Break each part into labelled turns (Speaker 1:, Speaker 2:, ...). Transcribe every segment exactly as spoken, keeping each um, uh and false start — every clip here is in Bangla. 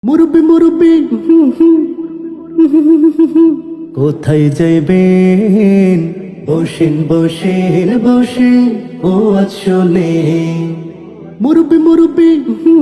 Speaker 1: মুরব্বি মুরব্বি কোথায় যাইবেন? বসেন বসেন বসে ও আসলে মুরব্বি মুরব্বি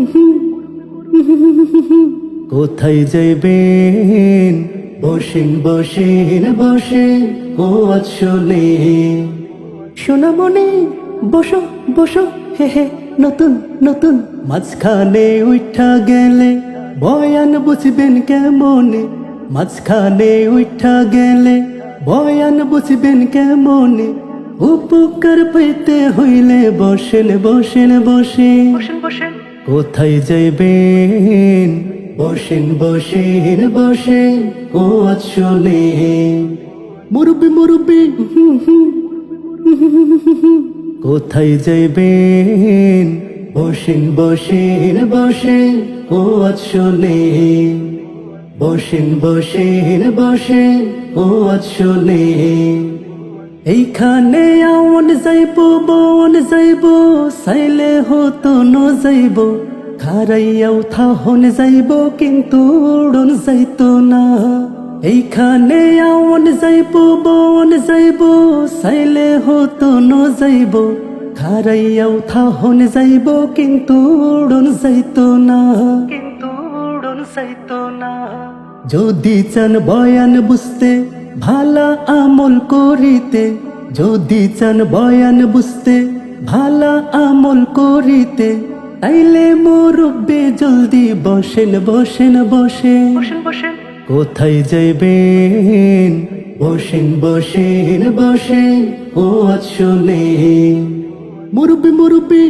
Speaker 1: কোথায় যাইবেন? বসেন বসেন বসে ও আসলে সোনামণি বসো বসো হে হে নতুন নতুন মাঝখানে উঠা গেলে বয়ান বুঝবেন কেমনে? মাঝখানে উঠা গেলে বয়ান বুঝবেন কেমনে? উপকার পেতে হইলে বসেন বসেন বসে কোথায় যাইবেন? বসেন বসেন বসে ও আসলে মুরব্বি মুরব্বি কোথায় যাইবেন? বসেন বসেন বসে ও আসলে বসেন বসেন বসে ও আসলে এইখানে আওন যাইব বন যাইব সাইলে হতো ন যাইব খারাইয়াও থাহন যাইব কিন্তু উড়ন যাইতো না। এইখানে আওন যাইব বন যাইব সাইলে হতো ন যাইব খারাইয়াও থাহন যাইব কিন্তু উড়ন যাইতো না কিন্তু উড়ন যাইতো না। যদি চান বয়ান বুঝতে ভালা আমল করিতে, যদি চান বয়ান বুঝতে ভালা আমল করিতে তাইলে মুরব্বি জলদি বসেন বসেন বসে কোথায় যাইবেন? বসেন বসেন বসে ও আসলে মুরব্বি মুরব্বি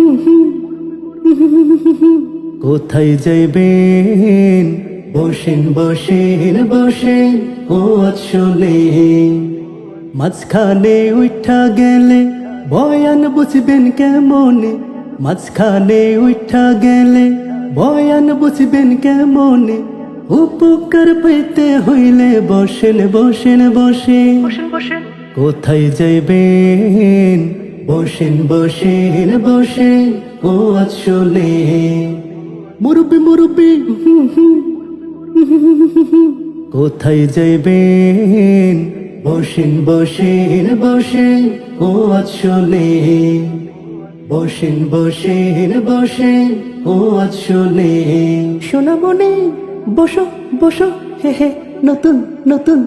Speaker 1: কোথায় যাইবেন? বসেন বসেন বসে ও আসলে মাঝখানে উঠা গেলে বয়ান বুঝবেন কেমনে? মাঝখানে উঠা গেলে বয়ান বুঝবেন কেমনে? উপকার পেতে হইলে বসেন বসেন বসে কোথায় যাইবেন? বসেন বসেন বসে ও আসলে মুরব্বি মুরব্বি কোথায় যাইবেন? বসেন বসেন বসে ও আসলে বসেন বসেন বসে ও আসলে সোনামণি বসো বসো হে হে নতুন নতুন